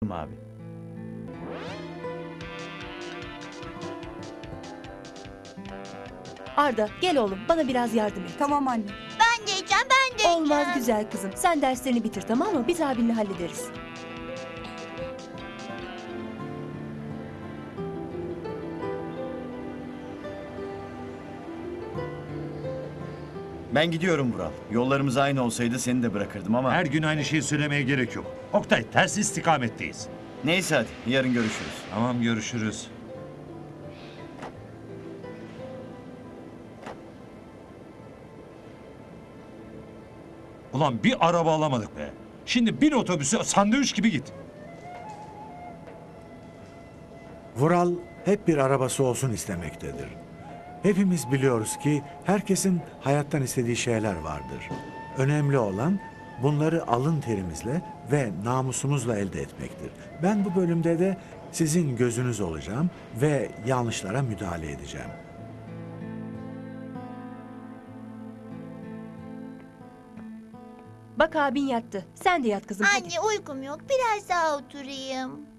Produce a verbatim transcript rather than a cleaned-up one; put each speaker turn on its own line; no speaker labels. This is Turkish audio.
abi.
Arda gel oğlum bana biraz yardım et.
Tamam anne.
Ben de yiyeceğim, ben de yiyeceğim.
Olmaz güzel kızım. Sen derslerini bitir tamam mı? Biz abinle hallederiz.
Ben gidiyorum Vural. Yollarımız aynı olsaydı seni de bırakırdım ama...
Her gün aynı şeyi söylemeye gerek yok. Oktay, ters istikametteyiz.
Neyse hadi, yarın görüşürüz.
Tamam, görüşürüz. Ulan bir araba alamadık be. Şimdi bin otobüsü sandviç gibi git.
Vural hep bir arabası olsun istemektedir. Hepimiz biliyoruz ki herkesin hayattan istediği şeyler vardır. Önemli olan bunları alın terimizle ve namusumuzla elde etmektir. Ben bu bölümde de sizin gözünüz olacağım ve yanlışlara müdahale edeceğim.
Bak abin yattı. Sen de yat kızım hadi.
Anne uykum yok, biraz daha oturayım.